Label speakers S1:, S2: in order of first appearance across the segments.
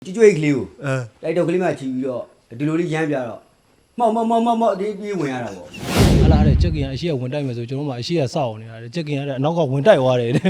S1: ကျွေးကလေးကိုတိုက်တော့ကလေးမှချီပြီးတော့ဒီလိုလေးရမ်းပြတော့မောက်ဒီပြေးဝင်ရတာပေါ့
S2: ဟာလာတဲ့ချက်ကင်ကအရှိကဝင်တိုက်မယ်ဆိုကျွန်တော်မှအရှိကစောက်အောင်နေတာချက်ကင်ကအနောက်ကဝင်တိုက်သွားတယ်တဲ့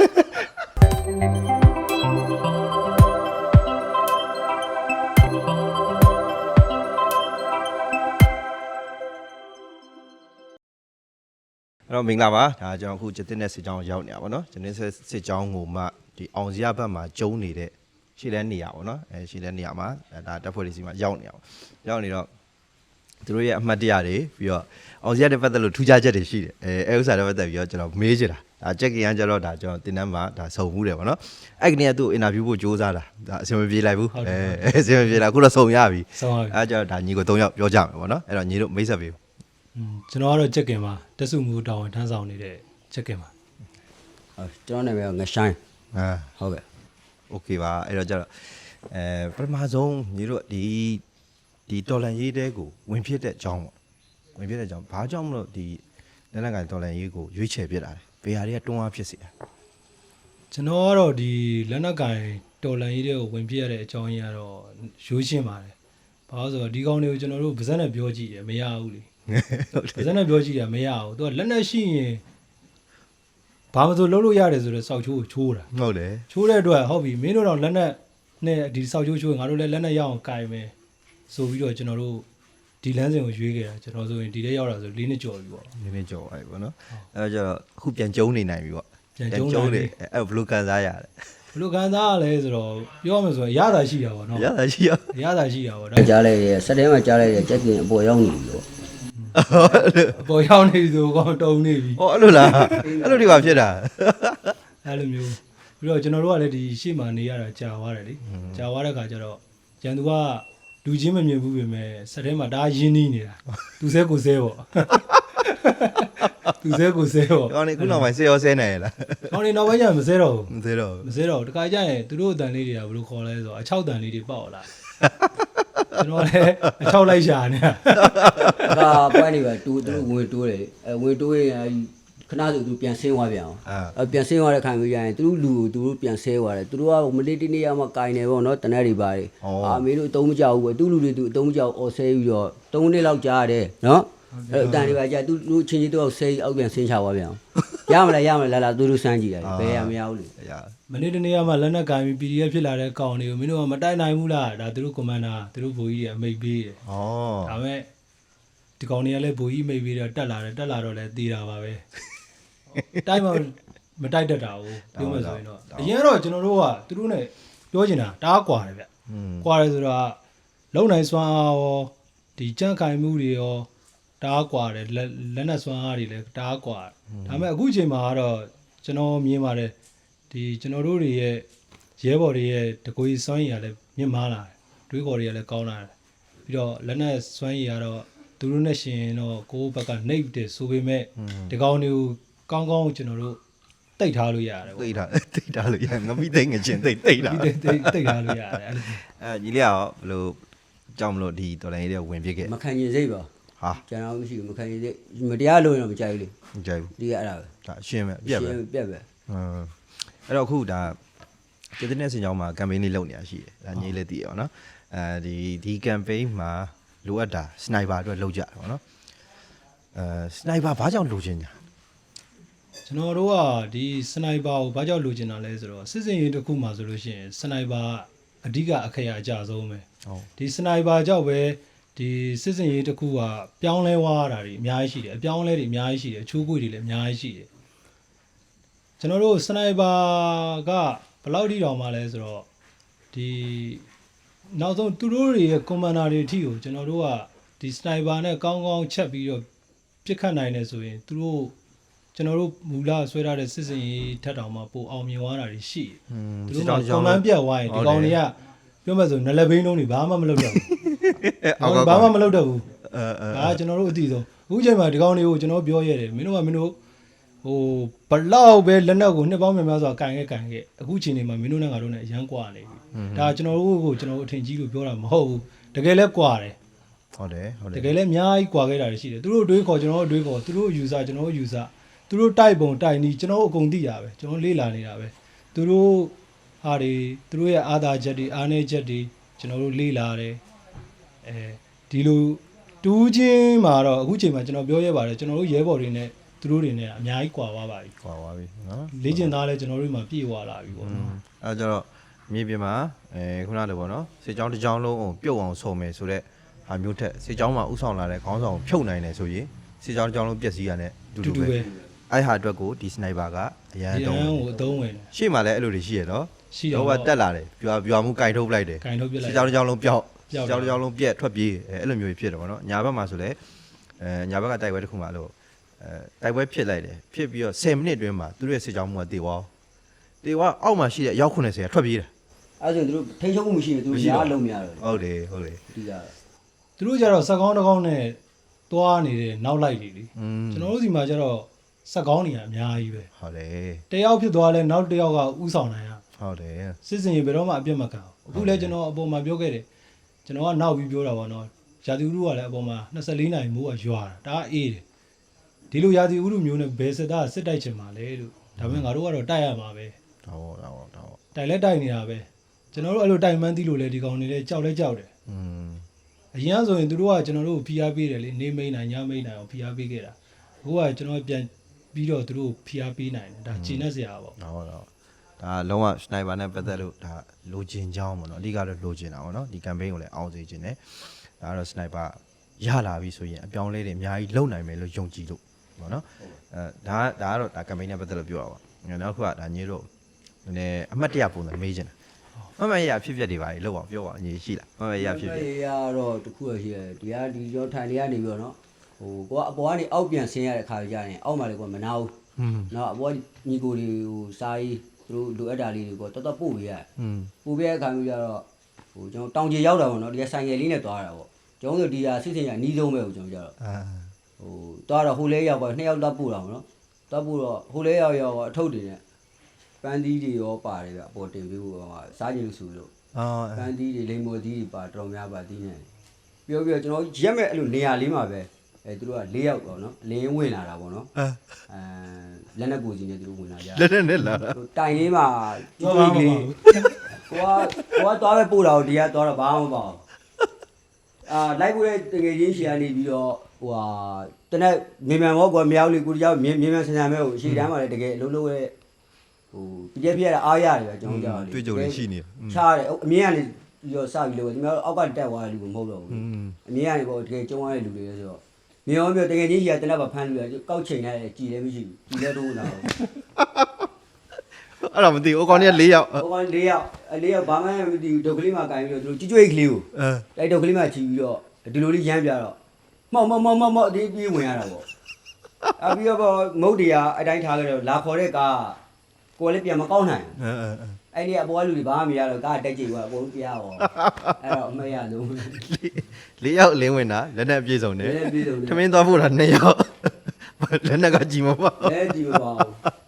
S3: အဲ့တော့မင်္ဂလာပါဒါကျွန်တော်အခုကျတင်တဲ့စစ်ကြောင်းရောက်နေတာပေါ့နော်ကျတင်စစ်ကြောင်းကိုမှဒီအောင်စရဘက်မှာကျုံနေတဲ့ရှေ့လဲနေရပါပေါ့နော်ရှေ့လဲနေရမှာဒါတပ်ဖွဲ့တွေစီမှာရောက်နေအောင်ရောက်နေတော့သူတို့ရဲ့အမှတ်တရတွေပြီးတော့အောင်စရတဲ့ပတ်သက်လို့ထူးခြားချက်တွေရှိတယ်အဲဥစ္စာတွေပတ်သက်ပြီးတော့ကျွန်တော်မေးချင်တာဒါချက်ကင်ကကျတော့ဒါကျွန်တော်တင်တန်းမှာဒါစုံမှုတယ်ပေါ့နော်အဲ့ကနေကသူ့အင်တာဗျူးဖို့စူးစမ်းတာဒါအဆင်မပြေလိုက်ဘူးအဆင်မပြေလားအခုတော့စုံရပြီအဲ့ကျတော့ဒါညီကို3ယောက်ပြောကြမယ်ပေါ့နော်အဲ့တော့ညီတို့မိတ်ဆက်ပေး
S2: ကျွန်တော်ကတော့ချက်ကင်မှာတက်စုမှုတောင်းဝန်ထမ်းဆောင်နေတဲ့ချက်ကင်မှာ
S1: ကျွန်တော်နာမည်ကငဆိုင်ဟုတ်ကဲ့
S3: โอเคပါအဲ့တော့ကျတော့ပထမဆုံးညီတို့ဒီတော်လန်ရေးတဲကိုဝင်ဖြစ်တဲ့အကြောင်းပေါ့ဝင်ဖြစ်တဲ့အကြောင်းဘာကြောင့်မလို့ဒီလက်နက်ကိုင်တော်လန်ရေးကိုရွေးချယ်ပြစ်တာလဲဘယ်ဟာတွေကတွန်းအားဖြစ်စေတာ
S2: ကျွန်တော်ကတော့ဒီလက်နက်ကင်တော်လန်ရေးတဲကိုဝင်ဖြစ်ရတဲ့အကြောင်းကြီးကတော့ရိုးရှင်းပါတယ်ဘာလို့ဆိုတော့ဒီကောင်တွေကိုကျွန်တော်တို့ဗဇက်နဲ့ပြောကြည့်တယ်မရဘူးလေဗဇက်နဲ့ပြောကြည့်တာမရဘူးသူကလက်နက်ရှိရင်ဘာမှမဆိုလုပ်လို့ရတယ်ဆိုတော့စောက်ချိုးကိုချိုးတာ
S3: ဟုတ်တယ်
S2: ချိုးတဲ့အတွက်ဟုတ်ပြီမင်းတို့တော့လက်နက်နဲ့ဒီစောက်ချိုးချိုးငါတို့လည်းလက်နက်ရအောင်ကင်မယ်ဆိုပြီးတော့ကျွန်တော်တို့ဒီလမ်းစဉ်ကိုရွေးခဲ့တာကျွန်တော်ဆိုရင်ဒီထဲရောက်တာဆို4နှစ်ကျော်ပြီပေါ့
S3: 4နှစ်ကျော်ပြီပေါ့နော်အဲ့တော့ကျတော့အခုပြန်ကျုံနေနိုင်ပြီပေါ့
S2: ပြန်ကျုံနေ
S3: အဲ့ဘယ်လိုကန်စားရလဲ
S2: ဘယ်လိုကန်စားရလဲဆိုတော့ပြောရမယ်ဆိုရင်ရတာရှိတာပေါ့နော်
S3: ရတာရှိ
S2: တာပေါ့
S1: ကြားလိုက်ရစက်တဲမှာကြားလိုက်ရချက်ကင်အပေါ်ရောက်နေပြီပေါ့
S2: အပေါ်ရောက်နေပြီဆိုတော့တုံနေပြီ
S3: ဟောအဲ့လိုလားအဲ့လိုတွေပါဖြစ်တာ
S2: အဲ့လိုမျိုးပြီးတော့ကျွန်တော်တို့ကလည်းဒီရှေ့မှာနေရတာကြာသွားတယ်လေကြာသွားတဲ့ခါကျတော့ကျန်သူကလူချင်းမမြင်ဘူးပြင်မဲ့စက်ထဲမှာဒါရင်းနှီးနေတာသူစဲကိုစဲပေါ့သူစဲကိုစဲပေါ့
S3: ကောင်းနေခုနောက်ပိုင်းဆေးရောဆဲနိုင်ရလား
S2: ကောင်းနေနောက်ပိုင်းကျမစဲတော့ဘူး
S3: မစဲတော့
S2: တခါကျရင်သူတို့အတန်လေးတွေကဘယ်လိုခေါ်လဲဆိုတော့အချောက်တန်လေးတွေပေါက်လာကျွန်တော်လည်းအချောက်လိုက်ရှာနေတာ
S1: ဒါပွဲနေပါတူသူဝင်တိုးတယ်ဝင်တိုးရင်ခဏဆိုသူပြန်ဆင်းသွားပြန်အောင်ပြန်ဆင်းသွားတဲ့ခါမျိုးရရင်သူတို့လူကိုသူတို့ပြန်ဆဲသွားတယ်သူတို့ကမလေးတနေ့မှကင်နေပေါ့နော်တနက်တွေပါတယ်အမေတို့အတုံးမကြောက်ဘူးပဲသူ့လူတွေသူအတုံးမကြောက်အော်ဆဲပြီးတော့3နှစ်လောက်ကြားရတယ်နော်အဲ့အတန်တွေပါကြာသူတို့ချင်းချင်းတော့ဆဲအောက်ပြန်ဆင်းချသွားပြန်အောင်ရမလားလာသူတို့စမ်းကြည့်ရတယ်ဘယ်ရမရဘူးလေ
S2: မနေ့တနေ့မှလက်နက်ကင်ပြီး PDF ဖြစ်လာတဲ့ကောင်တွေကိုမင်းတို့ကမတိုက်နိုင်ဘူးလားဒါသူတို့ကွန်မန်ဒါသူတို့ဗိုလ်ကြီးတွေအမိတ်ပေးတယ်ဒါမဲ့ဒီကောင်တွေကလည်းဗိုလ်ကြီးမိတ်ပေးတော့တက်လာတော့လည်းသေးတာပါပဲတိုက်မှမတိုက်တတ်တာဘူးပြောမှဆိုရင်တော့အရင်တော့ကျွန်တော်တို့ကသူတို့ ਨੇ ပြောချင်တာတအားကွာတယ်ဗျကွာတယ်ဆိုတော့လုံနိုင်စွမ်းအားရောဒီကြန့်ခိုင်မှုတွေရောတအားကွာတယ်လက်နက်စွမ်းအားတွေလည်းတအားကွာဒါပေမဲ့အခုချိန်မှာကတော့ကျွန်တော်မြင်ပါတယ်ဒီကျွန်တော်တို့တွေရဲ့ရဲဘော်တွေရဲ့တကွေစွမ်းရည်ကလည်းမြင့်မားလာတယ်တွေးခေါ်တွေကလည်းကောင်းလာတယ်ပြီးတော့လက်နက်စွမ်းရည်ကတော့သူတို့နဲ့ရှင်တော့ကိုယ့်ဘက်ကနှိပ်တယ်ဆိုပေမဲ့ဒီကောင်တွေကိုကောင်းကောင်းကျွန်တော်တို့တိတ်ထားလို့ရတယ်
S3: ပေါ့တိတ်ထားလို့ရငမိသိငချင်းတိတ်တာ
S2: တိတ်ထားလို့ရတယ်
S3: ညီလေးရောဘယ်လိုကြောက်မလို့ဒီတော်လိုင်းလေးဝင်ပြခဲ့
S1: မခံရင်စိတ်ပါဟာကျွန်တော်မရှိဘူးမခံရင်စိတ်မတရားလို့တော့မကြိုက်ဘူးလေ
S3: မကြိုက်ဘူး
S1: ဒီကအဲ့ဒါပဲ
S3: ဒါအရှင်းပဲအပြက်ပဲအဲ့တော့အခုဒါကျတဲ့စင်ကြောင်းမှာ campaign လေးလုပ်နေတာရှိတယ်ဒါညီလေးသိရပါတော့ဒီ campaign မှာလိုအပ်တာစနိုက်ပါအတွက်လုပ်ကြတယ်ပေါ့နော်စနိုက်ပါဘာကြောင့်လိုချင်ညာ
S2: ကျွန်တော်တို့ကဒီစနိုက်ပါကိုဘာကြောင့်လိုချင်တာလဲဆိုတော့စစ်စင်ရေးတစ်ခုမှဆိုလို့ရှိရင်စနိုက်ပါအဓိကအခရာအကျဆုံးပဲဒီစနိုက်ပါကြောင့်ပဲဒီစစ်စင်ရေးတစ်ခုကပြောင်းလဲသွားတာတွေအများကြီးရှိတယ်အပြောင်းလဲတွေအများကြီးရှိတယ်အချိုးကွေတွေလည်းအများကြီးရှိတယ်ကျွန်တော်တို့စနိုက်ပါကဘယ်လောက်ထိတောင်မှလဲဆိုတော့ဒီနောက်ဆုံးသူတို့တွေရဲ့ကွန်မန်ဒါတွေအထိကိုကျွန်တော်တို့ကဒီစနိုက်ပါနဲ့ကောင်းကောင်းချက်ပြီးတော့ပြစ်ခတ်နိုင်တယ်ဆိုရင်သူတို့ကျွန်တော်တို့မူလဆွဲထားတဲ့စစ်စင်ရေးထက်တောင်မှပိုအောင်မြင်သွားတာတွေရှိတယ်သူတို့ကကွန်မန်ပြတ်သွားရင်ဒီကောင်တွေကပြောမှဆိုနလက်ဘိန်းလုံးတွေဘာမှမလုပ်တော့ဘူးဘာမှမလုပ်တော့ဘူးဒါကကျွန်တော်တို့အသိဆုံးအခုချိန်မှာဒီကောင်တွေကိုကျွန်တော်ပြောရတယ်မင်းတို့ဟိုဘလောက်ပဲလက်နက်ကိုနှစ်ပေါင်းများများစွာကန်ခဲ့အခုချိန်နေမှာမင်းတို့နဲ့ငါတို့နဲ့အရန်ကွာနေပြီဒါကျွန်တော်တို့ကိုကျွန်တော်တို့အထင်ကြီးလို့ပြောတာမဟုတ်ဘူးတကယ်လဲကွာတယ်
S3: ဟုတ်တယ်
S2: တကယ်လဲအများကြီးကွာခဲ့တာရှိတယ်သူတို့တွေးခေါ်ကျွန်တော်တို့တွေးခေါ်သူတို့ယူဆကျွန်တော်တို့ယူဆသူတို့တိုက်ပုံတိုက်နီးကျွန်တော်တို့အကုန်သိတာပဲကျွန်တော်လေ့လာနေတာပဲသူတို့ဟာတွေသူတို့ရဲ့အာသာချက်တွေအားနည်းချက်တွေကျွန်တော်တို့လေ့လာတယ်အဲဒီလိုတူးချင်းမှာတော့အခုချိန်မှာကျွန်တော်ပြောရပါတယ်ကျွန်တော်တို့ရဲဘော်တွေနဲ့သူတို့တွေနဲ့အများကြီးကွာသွားပါပြီ
S3: ကွာသွားပြီနော်
S2: လေ့ကျင့်သားလဲကျွန်တော်တို့မှာပြည့်ဝလာပြီပေါ့နော်
S3: အဲကြတော့မြေပြင်မှာခုနကပေါ့နော်စေချောင်းတစ်ချောင်းလုံးအောင်ပြုတ်အောင်ဆုံမယ်ဆိုတော့ဟာမျိုးထက်စေချောင်းမှာဥဆောင်လာတဲ့ခေါင်းဆောင်ဖြုတ်နိုင်တယ်ဆိုရင်စေချောင်းတစ်ချောင်းလုံးပျက်စီးရတဲ့တူတူပဲအဲ့ဟာအတွက်ကိုဒီစနိုက်ပါကအရန်
S2: ဒီ
S3: တုံး
S2: အန်းကိုအသုံးဝင်တယ်
S3: ရှေ့မှာလည်းအဲ့လိုတွေရှိရနော်
S2: ရှိတော့
S3: တော့တက်လာတယ်ပြွာမှုကင်ထုတ်ပလိုက်တယ်
S2: ကင်ထုတ်ပြလိုက်
S3: စေချောင်းတစ်ချောင်းလုံးပျောက်စေချောင်းတစ်ချောင်းလုံးပြက်ထွက်ပြေးအဲ့လိုမျိုးဖြစ်တယ်ပေါ့နော်ညာဘက်မှာဆိုလည်းညာဘက်ကတိုက်ပွဲတစ်ခုမှလို့တိုက်ပွဲဖြစ်လိုက်တယ်ဖြစ်ပြီးတော့10မိနစ်အတွင်းမှာသူတို့ရဲ့စေချောင်းမှုကတေသွားတေသွားအောက်မှာရှိတဲ့ရောက်90ကထွက်ပြေးတယ်
S1: အဲ့ဆိုသူတို့ထိန်းချုပ်မှုမရှိဘူးသူတို့ရားလုံးမရတော့
S3: ဟုတ်တယ်ဟုတ်တယ်
S1: ဒီက
S2: သူတို့ကြတော့စက်ကောင်းတစ်ကောင်းနဲ့သွားနေတဲ့နောက်လိုက်တွေလေ ကျွန်တော်တို့စီမှာကျတော့စက်ကောင်းနေရအများကြီးပဲ
S3: ဟုတ်တယ်
S2: တယောက်ဖြစ်သွားလဲနောက်တစ်ယောက်ကဥဆောင်နိုင်ရ
S3: ဟုတ်တယ်
S2: စစ်စင်ရေဘယ်တော့မှအပြတ်မခံဘူးအခုလဲကျွန်တော်အပေါ်မှာပြောခဲ့တယ်ကျွန်တော်ကနောက်ပြီးပြောတာပေါ့နော်ရာသီဥတုကလည်းအပေါ်မှာ24နာရီမိုးကရွာတာဒါအေးတယ်ဒီလိုရာသီဥတုမျိုးနဲ့ဘယ်စစ်သားစစ်တိုက်ချင်မှာလဲလို့ဒါပေမဲ့ငါတို့ကတော့တိုက်ရမှာပဲ
S3: တော့
S2: တိုက်လဲတိုက်နေတာပဲကျွန်တော်တို့အဲ့လိုတိုက်မှန်းသိလို့လဲဒီကောင်တွေလဲကြောက်လဲကြောက်တယ် အရင်ကဆိုရင်သူတို့ကကျွန်တော်တို့ဖိအားပေးတယ်လေနေမိန်နိုင်ညမိန်နိုင်အောင်ဖိအားပေးခဲ့တာအခုကကျွန်တော်ပြန်ပြီးတော့သူတို့ဖိအားပေးနိုင်တယ်ဒါကျင်နေစရာပေါ့
S3: ဟုတ်တော့ဒါလုံးဝစနိုက်ပါနဲ့ပတ်သက်လို့ဒါလိုချင်ကြောင်းပေါ့နော်အဓိကတော့လိုချင်တာပေါ့နော်ဒီ campaign ကိုလည်းအောင်စေချင်တယ်ဒါကတော့စနိုက်ပါရလာပြီဆိုရင်အပြောင်းလဲတွေအများကြီးလုံနိုင်မယ်လို့ယုံကြည်လို့ပေါ့နော်ဒါကတော့ဒါ campaign နဲ့ပတ်သက်လို့ပြောတာပါနောက်တစ်ခုကဒါညေးတော့နည်းအမှတ်တရပုံစံမေးချင်တာမမရဖြစ်ဖြစ်တွေပါလေလောက်အောင်ပြောပါအညီရှိလားမမရဖြစ်ဖြစ်
S1: ရတော့တခုရရှိတယ်ဒီရောထိုင်နေရနေပြီးတော့နော်ဟိုကိုကအပေါ်ကနေအောက်ပြန်ဆင်းရတဲ့ခါကြရင်အောက်မှာလေကိုမနာဘူးနော်အပေါ်ညီကိုတွေဟိုစာရေးသူတို့လိုအပ်တာလေးတွေကိုတော်တော်ပို့ပေးရတယ်ပို့ပေးတဲ့အခါမျိုးကြတော့ဟိုကျွန်တော်တောင်ကြီးရောက်တာပေါ့နော်ဒီကဆိုင်ငယ်လေးနဲ့သွားတာပေါ့ကျွန်တော်တို့ဒီဟာစစ်စင်ရအနီးဆုံးပဲကိုကျွန်တော်ကြတော့ဟိုသွားတော့ဟိုလဲရောက်ပါ2ယောက်သွားပို့တာပေါ့နော်သွားပို့တော့ဟိုလဲရောက်အထုပ်တွေနဲ့ပန်းသီးတွေရောပါတယ်ဗျအပေါ်တင်ပြီးဟိုစားကြည့်လို့ဆိုလို့ပန်းသီးတွေလိမ္မော်သီးတွေပါတော်များပါသီးနေပြောပြီးတော့ကျွန်တော်ရက်မဲ့အဲ့လိုနေရာလေးမှာပဲသူတို့က4ယောက်ပေါ့နော်လင်းဝင်လာတာပေါ့နော်လက်နဲ့ကိုစီနဲ့သူတို့ဝင်လာကြ
S3: လက်နဲ့လာတာ
S1: တိုင်လေးမှာကျွေးကလေးကိုကသွားပဲပို့တာကိုဒီကသွားတော့ဘာမှမပေါ့လိုက်ပို့တဲ့တကယ်ချင်းရှီကနေပြီးတော့ဟိုဟာတနက်မြန်မောကွာမြောက်လေးကိုတယောက်မြန်ဆန်ဆန်ပဲဟိုရှီတန်းမှာလည်းတကယ်အလုံးလုံးရဲ့ဟိုပြည့်ပြည့်ရအားရတယ်ပဲကျွန်တော်ကြောက်တယ်
S3: တွေ့ကြုံနေရှိနေ
S1: ချားတယ်အမြင်ကနေပြီးတော့စပြီးလို့ဒီမှာအောက်ကတက်သွားတဲ့လူကမဟုတ်တော့ဘူးအမြင်ကနေပေါ့တကယ်ကျုံရတဲ့လူတွေလဲဆိုတော့မြေရောမြေတကယ်ကြီးကြီးကတနက်ပါဖမ်းလို့ရကောက်ချိန်လိုက်ကြည်လည်းမရှိဘူးကြည်လည်းတော့လာတော့
S3: အဲ့တော့မသိဘူးအကောင်ကြီး4ယောက်
S1: အကောင်4ယောက်4ယောက်ဘာမှမသိဘူးဒုတ်ကလေးမှာကင်ပြီးတော့သူတို့ကြွေးကလေးကိုတိုက်ဒုတ်ကလေးမှာချီပြီးတော့ဒီလိုလေးရမ်းပြတော့မောက်ဒီပြေးဝင်ရတာပေါ့အပြီးတော့မုတ်တရားအတိုင်းထားခဲ့တော့လာခေါ်တဲ့ကားကိုလည်းပြန်မကောက်နိုင်အဲ့ဒီအပေါ်ကလူတွေဘာမှမရတော့ကားတက်ကြည့်သွားအကုန်ပြရတော့အဲ့တော့အမေရလုံး
S3: 4ယောက်လင်းဝင်တာလက်နဲ့ပြေဆုံးတယ်ထမင်းသွားဖို့တာ2ယောက်လက်နဲ့ကကြည်မပေါ့
S1: လက်ကြည်မပေါ့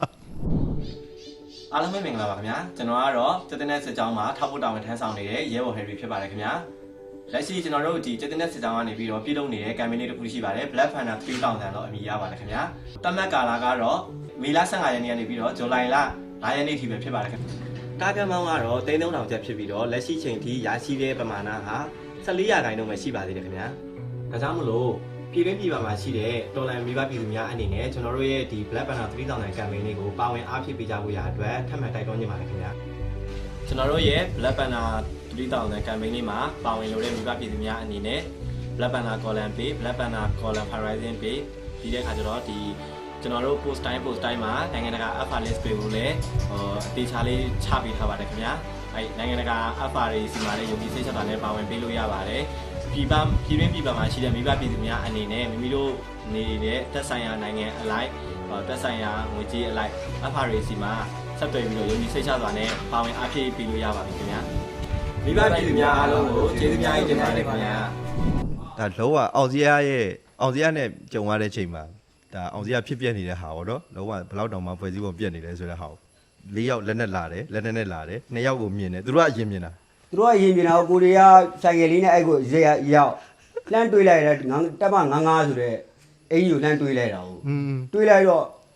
S4: အားလုံးပဲမင်္ဂလာပါခင်ဗျာကျွန်တော်ကတော့ကျက်တဲ့စစ်ကြောင်းမှာထောက်ဖို့တာဝန်ထမ်းဆောင်နေတဲ့ရဲဘော်ဟယ်ရီဖြစ်ပါတယ်ခင်ဗျာလက်ရှိကျွန်တော်တို့ဒီကျက်တဲ့စစ်ကြောင်းကနေပြီးတော့ပြည်လုံးနေတဲ့ campaign လေးတစ်ခုရှိပါတယ် Black Panther 3000တော့အမည်ရပါတယ်ခင်ဗျာတတ်မှတ်ကာလကတော့မေလ15ရက်နေ့ကနေပြီးတော့ဇူလိုင်လ9ရက်နေ့ထိပဲဖြစ်ပါတယ်ခင်ဗျာကားကမောင်းကတော့3000ကျပ်ဖြစ်ပြီးတော့လက်ရှိချိန်ထိရရှိတဲ့ပမာဏဟာ14ရာခိုင်နှုန်းပဲရှိပါသေးတယ်ခင်ဗျာဒါကြောင့်မလို့ပြည်တွင်းပြည်ပမှာရှိတဲ့တော်လန်မိဘပြည်သူများအနေနဲ့ကျွန်တော်တို့ရဲ့ဒီ Black Panther 3000 campaign လေးကိုပါဝင်အားဖြည့်ပေးကြဖို့ရအတွက်ထပ်မံတိုက်တွန်းနေပါတယ်ခင်ဗျာကျွန်တော်တို့ရဲ့ Black Panther 3000 campaign လေးမှာပါဝင်လို့တဲ့မိဘပြည်သူများအနေနဲ့ Black Panther column page Black Panther column horizon page ဒီတဲ့အခါကျတော့ဒီကျွန်တော်တို့ post time မှာနိုင်ငံတကာ alpha list တွေကိုလည်းအသေးချာလေးချပေးထားပါတယ်ခင်ဗျာအဲနိုင်ငံတကာ alpha တွေစီမှာလည်းယုံကြည်စိတ်ချတာနဲ့ပါဝင်ပေးလို့ရပါတယ်ပြည်တွင်းပြည်ပမှာရှိတဲ့မိဘပြည်သူများအနေနဲ့မိမိတို့နေတဲ့သက်ဆိုင်ရာနိုင်ငံအလိုက်သက်ဆိုင်ရာငွေကြေးအလိုက်အဖာရီစီမှာဆက်သွယ်ပြီးတော့ယုံကြည်စိတ်ချစွာနဲ့ပါဝင်အားဖြည့်ပေးလို့ရပါပြီခင်ဗျာမိဘပြည်သူများအားလုံးကိုကျေးဇူးများကြီးတင်ပါတယ်ခင်ဗျာ
S3: ဒါလုံးဝအောင်စရာနဲ့ကြုံရတဲ့ချိန်မှာဒါအောင်စရာဖြစ်ပြနေတဲ့ဟာပေါ့နော်လုံးဝဘယ်လောက်တောင်မှဖွဲ့စည်းပုံပြက်နေလဲဆိုတဲ့ဟာ4ယောက်လက်နဲ့လာတယ်2ယောက်ကိုမြင်တယ်သူတို့ကအရင်မြင်တာ
S1: သူတို့ကရင်ပြင်တာကိုတွေကဆိုင်ကယ်လေးနဲ့အဲ့ကိုရောက်လှမ်းတွေးလိုက်တယ်တက်မ55ဆိုတဲ့အင်ကြီးကိုလှမ်းတွေးလိုက်တာဟုတ်တွေးလိုက်တော့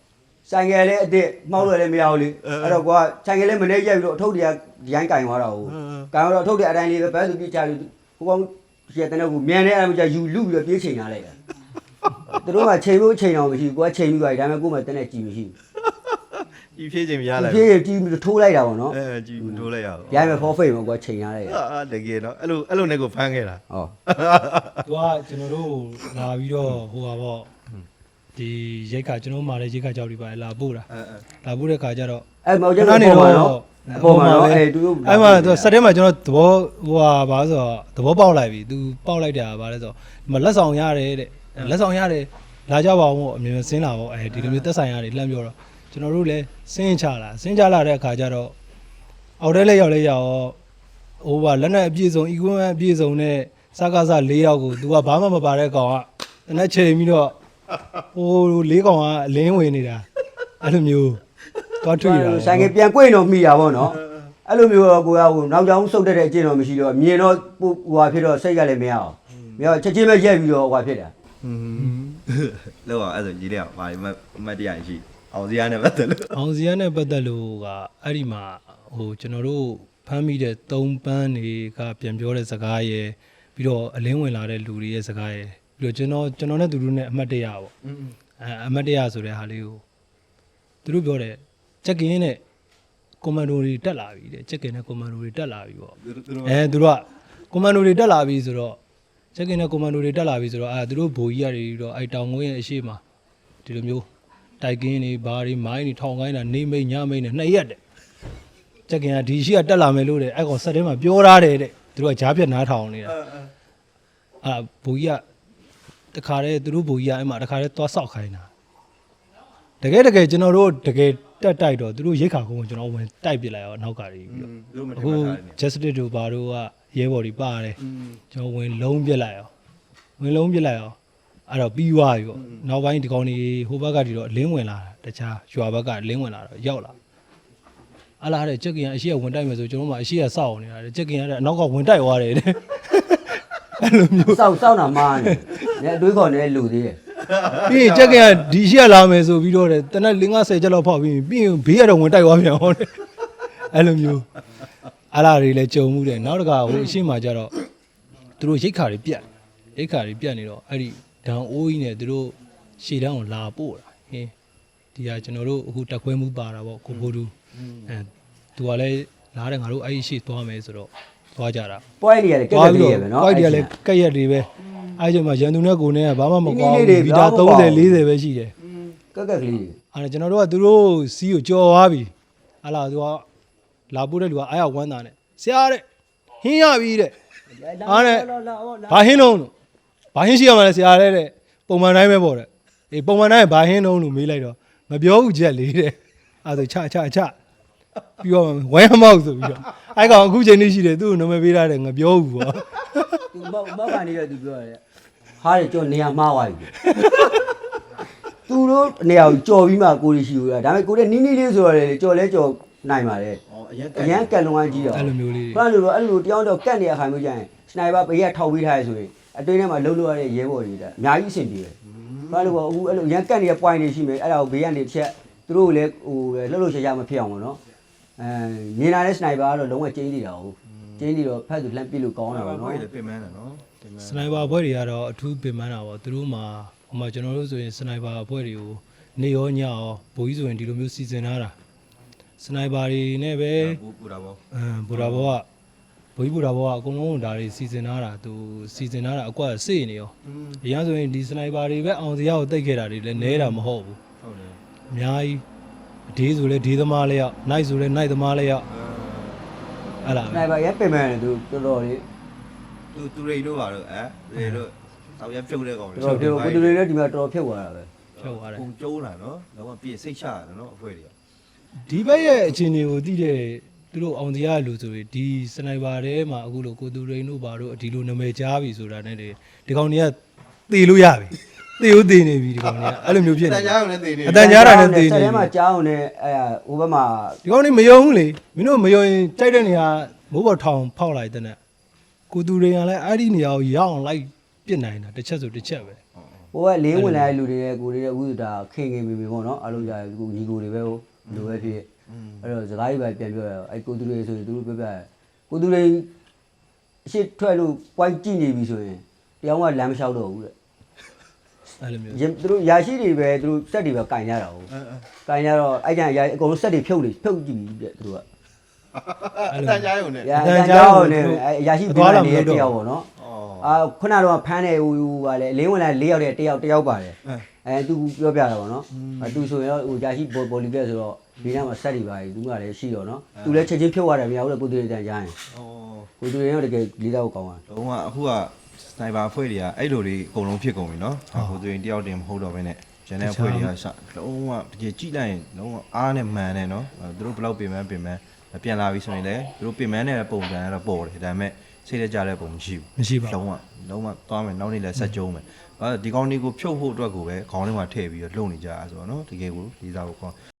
S1: ဆိုင်ကယ်လည်းအစ်မောက်လို့လည်းမရဘူးလေအဲ့တော့ကွာဆိုင်ကယ်လည်းမနေရက်ပြီးတော့အထုပ်တွေကဒီတိုင်းကင်သွားတာဟုတ်ကင်တော့အထုပ်တွေအတိုင်းလေးပဲဘယ်သူပြချပြီးဟိုကောင်ရတဲ့တော့မြန်နေအဲ့မှာယူလူပြီးတော့ပြေးချိန်လာလိုက်တာသူတို့ကချိန်လို့ချိန်အောင်မရှိဘူးကိုကချိန်ပြီးသွားပြီဒါပေမဲ့ကို့မှာတနေ့ကြည်မရှိဘူး
S3: ဒီဖြည့်ချိန်မရလိုက်
S1: ပြေးကြည်ပြီးထိုးလိုက်တာပေါ့နော်
S3: ကြည်ထိုးလိုက်ရအောင်
S1: ရိုင်းမဲ့ forfeit ပေါ့ကွာချိန်ရလိုက်တာ
S3: တကယ်နော်အဲ့လိုနဲ့ကိုဖမ်းခဲ့တာ
S1: ဟော
S2: သူကကျွန်တော်တို့လာပြီးတော့ဟိုပါပေါ့ဒီရိတ်ခါကျွန်တော်မှလည်းရိတ်ခါကြောက်ပြီးပါလာပို့တာလာပို့တဲ့ခါကျတော့
S1: အဲ့မောင်ကျတော့နေတော့အပေါ်မှာတော့အဲ့သူတို့
S2: အဲ့မှာသူစက်ထဲမှာကျွန်တော်သဘောဟိုဟာဘာဆိုတော့သဘောပေါက်လိုက်ပြီသူပေါက်လိုက်တာဗါလဲဆိုတော့ဒီမှာလက်ဆောင်ရတယ်တဲ့လက်ဆောင်ရတယ်လာကြပါအောင်ပေါ့အမြင်ဆင်းလာပေါ့အဲဒီလိုမျိုးသက်ဆိုင်ရတယ်လှမ်းပြောတော့ကျွန်တော်တို့လည်းဆင်းချလာတဲ့အခါကျတော့အောက်ထဲလက်ရောက်လဲရောက်ဟိုပါလက်နဲ့အပြည့်စုံ equipment အပြည့်စုံနဲ့စကားစ၄ယောက်ကိုသူကဘာမှမပါတဲ့ကောင်ကတနက်ချိန်ပြီးတော့ဟို၄ကောင်ကအလင်းဝင်နေတာအဲ့လိုမျိုးသွားထွေတာ
S1: ဆိုင်ကပြန်꿰တော့မိတာပေါ့နော်အဲ့လိုမျိုးကိုကဟိုနောက်ကြောင်စုပ်တဲ့အကျင့်တော့မရှိတော့မြင်တော့ဟိုဟာဖြစ်တော့စိတ်ကလည်းမရအောင်မရချက်ချင်းပဲရက်ပြီးတော့ဟိုဟာဖြစ်တာ
S3: လောက်အောင်အဲ့ဆိုကြီးလေးကဘာမှတ်တရရှိအောင်စရာနဲ့ပတ်သက်လို့
S2: အောင်စရာနဲ့ပတ်သက်လို့ကအဲ့ဒီမှာဟိုကျွန်တော်တို့ဖမ်းမိတဲ့3ပန်းတွေကပြန်ပြောတဲ့စကားရယ်ပြီးတော့အလင်းဝင်လာတဲ့လူတွေရဲ့စကားရယ်ပြီးတော့ကျွန်တော်နဲ့သူတို့နဲ့အမှတ်တရပေါ့အမှတ်တရဆိုတဲ့ဟာလေးကိုသူတို့ပြောတယ်ချက်ကင်းနဲ့ကွန်မန်ဒိုတွေတက်လာပြီတဲ့ချက်ကင်းနဲ့ကွန်မန်ဒိုတွေတက်လာပြီပေါ့သူတို့ကကွန်မန်ဒိုတွေတက်လာပြီဆိုတော့ချက်ကင်းနဲ့ကွန်မန်ဒိုတွေတက်လာပြီဆိုတော့သူတို့ဘိုးကြီးရတယ်တော့အဲ့တောင်ငွေရဲ့အရှိမဒီလိုမျိုးတိုက်ကင်းတွေဘာတွေမိုင်းတွေထောင်ကိုင်းတာနေမိတ်ညမိတ်နဲ့2ရက်တဲ့ချက်ကင်းကဒီရှိကတက်လာမယ်လို့တဲ့အဲ့ကောင်ဆက်ထဲမှာပြောထားတယ်တဲ့သူတို့ကကြားပြတ်နားထောင်နေတာဘိုးကြီးကတခါတည်းသူတို့ဘိုးကြီးကအဲ့မှာတခါတည်းသွားဆောက်ခိုင်းတာတကယ်ကျွန်တော်တို့တကယ်တက်တိုက်တော့သူတို့ရိတ်ခါကုန်းကိုကျွန်တော်ဝင်တိုက်ပစ်လိုက်ရောနောက်ကတွေပြီးတော့အခု justice တို့ဘာတို့ကရဲဘော်တွေပါတယ်ကျွန်တော်ဝင်လုံးပစ်လိုက်ရောအဲ့တော့ပြီးသွားပြီပေါ့နောက်ပိုင်းဒီကောင်တွေဟိုဘက်ကဒီတော့လင်းဝင်လာတာတခြားရွာဘက်ကလင်းဝင်လာတော့ရောက်လာအလားတဲ့ချက်ကင်အရှိကဝင်တိုက်မယ်ဆိုကျွန်တော်မှအရှိကစောက်နေတာတဲ့ချက်ကင်ကအနောက်ကဝင်တိုက်သွားတယ်တဲ့အဲ့လိုမျိုး
S1: စောက်တာမားနေအတွေးခေါ်နေလူသေးတယ်
S2: ပြီးရင်ချက်ကင်ကဒီရှိကလာမယ်ဆိုပြီးတော့တဲ့တနက်50ချက်လောက်ဖောက်ပြီးပြီးရင်ဘေးကတော့ဝင်တိုက်သွားပြန်ဟောတယ်အဲ့လိုမျိုးအလားတွေလည်းကြုံမှုတယ်နောက်တစ်ခါဟိုအရှိမှကျတော့သူတို့ရိတ်ခါတွေပြတ်နေတော့အဲ့ဒီဒံအိုးကြီးနဲ့သူတို့ရှေ့တန်းကိုလာပို့တာဟင်းဒီဟာကျွန်တော်တို့အခုတက်ခွဲမှုပါတာပေါ့ကိုဖိုးတူသူကလည်းလားတယ်ငါတို့အဲ့ဒီရှေ့သွားမယ်ဆိုတော့သွားကြတာ
S1: ပွဲတွေကလည်းကက်ကလေးရပဲနော်
S2: ပွဲတွေကလည်းကက်ရက်တွေပဲအဲ့ဒီမှာရန်သူနဲ့ကိုနဲ့ကဘာမှမကွာဘူးဗီတာ30 40ပဲရှိတယ်
S1: ကက်ကလေး
S2: အဲ့ကျွန်တော်တို့ကသူတို့စီးကိုကြော်သွားပြီဟာလာသူကလာပို့တဲ့လူကအားရဝမ်းသာနဲ့ဆရာတဲ့ဟင်းရပြီတဲ့အားနဲ့ဘာဟင်းလုံးလို့ဘာဟင်းရှိရမှာလဲဆရာတဲ့ပုံမှန်တိုင်းပဲပေါ့တဲ့အေးပုံမှန်တိုင်းဘာဟင်းလုံးလို့မေးလိုက်တော့မပြောဘူးချက်လေးတဲ့အဲ့ဒါချပြီးတော့ဝဲမောက်ဆိုပြီးတော့အဲ့ကောင်အခုချိန်လေးရှိတယ်သူ့ကိုနာမည်ပေးထားတယ်ငါပြောဘူးပေါ့
S1: သူမောက်ကနေရသူပြောရတယ်ဟားတယ်ကြော်နေရာမှားသွားပြီသူတို့နေရာကိုကြော်ပြီးမှကိုရီရှိလို့ဒါပေမဲ့ကိုတဲ့နီးနီးလေးဆိုရတယ်ကြော်လဲကြော်နိုင်ပါတယ်အရန်ကက်လုံးဝကြီးတော့
S2: အဲ့လိုမျိုးလေး
S1: ဘာလို့လဲအဲ့လိုတယောက်တော့ကက်နေရခိုင်မျိုးကြရင်စနိုက်ပါဘေးကထောက်ပေးထားရဆိုရင်အတွင်းထဲမှာလှုပ်လို့ရတဲ့ရဲဘော်တွေကအများကြီးအဆင်ပြေတယ်ဘာလို့အခုအဲ့လိုရန်ကက်နေတဲ့ point တွေရှိမယ်အဲ့ဒါကိုဘေးကနေတစ်ချက်သူတို့လည်းဟိုလှုပ်ရှားမဖြစ်အောင်ပေါ့နော်မြင်လာတဲ့စနိုက်ပါကတော့လုံးဝကျင်းနေတာဟုတ်ကျင်းနေတော့ဖက်သူလှမ်းပစ်လို့ကောင်းတာပေါ့နော်
S3: ပြင်မှန်းတာနော်
S2: စနိုက်ပါဘွဲတွေကတော့အထူးပင်ပန်းတာပေါ့သူတို့မှာဟိုမှာကျွန်တော်တို့ဆိုရင်စနိုက်ပါဘွဲတွေကိုနေရောညရောဘိုးကြီးဆိုရင်ဒီလိုမျိုးစီစဉ်ထားတာစနိုက်ပါတွေနဲ့ပဲ
S3: ပူတာပေါ့
S2: ဘူရာဘောကဘိုးကြီးဘူရာဘောကအကုန်လုံးဒါတွေစီစဉ်ထားတာသူစီစဉ်ထားတာအကွက်စေ့နေရောအရင်ဆိုရင်ဒီစနိုက်ပါတွေပဲအောင်စရာကိုတိတ်ခဲ့တာတွေလည်းနဲတာမဟုတ်ဘူးဟုတ်တယ်အများကြီးဒေးဆိုလဲဒေးသမားလေးရောက်နိုင်ဆိုလဲနိုင်သမားလေးရောက်အဲ့လား
S1: စနိုက်ပါရဲပင်ပန်းတယ်သူတော်တော်လေး
S3: သူရိတ်တို့ပါတော့တွေတို့တောက်ရဖြုတ်တဲ့ကောင်
S1: တော်တော်ကိုတူတွေလည်းဒီမှာတော်တော်ဖြုတ်သွားတာပဲ
S2: ဖြုတ်သွားတယ်
S3: ပုံကျိုးလာနော်တော့ပြည့်စိတ်ချရတယ်နော်အဖွဲတွေ
S2: ဒီဘက်ရဲ့အခြေအနေကိုသိတဲ့သူတို့အောင်တရားလူဆိုရင်ဒီစနိုက်ပါထဲမှာအခုလိုကိုသူရိန်တို့ဘာတို့ဒီလိုနာမည်ကြားပြီဆိုတာနဲ့ဒီကောင်တွေကသေလို့ရပြီသေဦးသေနေပြီဒီကောင်တွေကအဲ့လိုမျိုးဖြစ်နေအတန်ကြားတာနဲ့သေနေ
S1: ဆက်ထဲမှာကြားအောင်နဲ့ဟိုဘက်မှာ
S2: ဒီကောင်တွေမယုံဘူးလေမင်းတို့မယုံရင်ကြိုက်တဲ့နေရာမိုးပေါ်ထောင်ဖောက်လိုက်တဲ့နဲ့ကိုသူရိန်ကလည်းအဲ့ဒီနေရာကိုရောက်အောင်လိုက်ပြစ်နိုင်တာတစ်ချက်ဆိုတစ်ချက်ပဲ
S1: ဟိုကလေးဝင်လာတဲ့လူတွေနဲ့ကိုတွေနဲ့ဥဒတာခင်ခင်မိမိပေါ့နော်အားလုံးကြာကိုညီကိုတွေပဲဟိုလိုပဲဖြစ်အဲ့တော့စကားကြီးပဲပြန်ပြောရအောင်အဲ့ကိုသူတွေဆိုရင်သူတို့ပြောပြကိုသူတွေအရှိထွက်လို့ point ကြည့်နေပြီဆိုရင်တရားကလမ်းမလျှောက်တော့ဘူးတဲ့
S2: အဲ့လိုမျိုး
S1: သူတို့ယာရှိတွေပဲသူတို့စက်တွေပဲကင်ကြတာဟုတ်ကင်ကြတော့အဲ့ကျန်ယာအကုန်လုံးစက်တွေဖြုတ်ကြည့်ပြီတဲ့သူတို့က
S3: အတန်ကြားရုံနဲ့
S1: ရာကြောင်းနဲ့အရာရှိပြီးနေတဲ့တယောက်ပေါ့နော်အာခုနကတော့ဖမ်းတယ်ဟိုကလည်းအလင်းဝင်လာ၄ယောက်တည်းတယောက်ပါတယ်သူပြောပြတာပေါ့နော်သူဆိုရင်တော့ဟိုရာရှိဘော်လီကက်ဆိုတော့ဒီနားမှာစက်တွေပါတယ်သူကလည်းရှိတော့နော်သူလည်းချက်ချင်းဖြုတ်ရတယ်မရဘူးလေကိုသူတွေတန်ကြားရင်ကိုသူတွေတော့တကယ်လေးတော့ကောင်းတာ
S3: လုံးဝအခုကစနိုက်ပါအဖွဲ့တွေကအဲ့လိုတွေအကုန်လုံးဖြစ်ကုန်ပြီနော်ဟိုသူရင်တယောက်တင်မဟုတ်တော့ဘဲနဲ့ကျန်တဲ့အဖွဲ့တွေကလုံးဝတကယ်ကြည့်လိုက်ရင်လုံးဝအားနဲ့မှန်တယ်နော်သူတို့ဘယ်လောက်ပြင်ပန်းပြန်လာပြီဆိုရင်လည်းသူတို့ပြင်ပန်းတဲ့ပုံစံကတော့ပေါ်တယ်ဒါပေမဲ့စိတ်ရကြတဲ့ပုံမရှိဘူးမရှိပါဘူးလုံးဝသွားမယ်နောက်နေ့လည်းဆက်ကြုံးမယ်ဒီကောင်းလေးကိုဖြုတ်ဖို့အတွက်ကိုပဲခေါင်းထဲမှာထည့်ပြီးတော့လုံနေကြတာဆိုတော့နော်တကယ်ကိုလေးစားဖို့ခေါင်း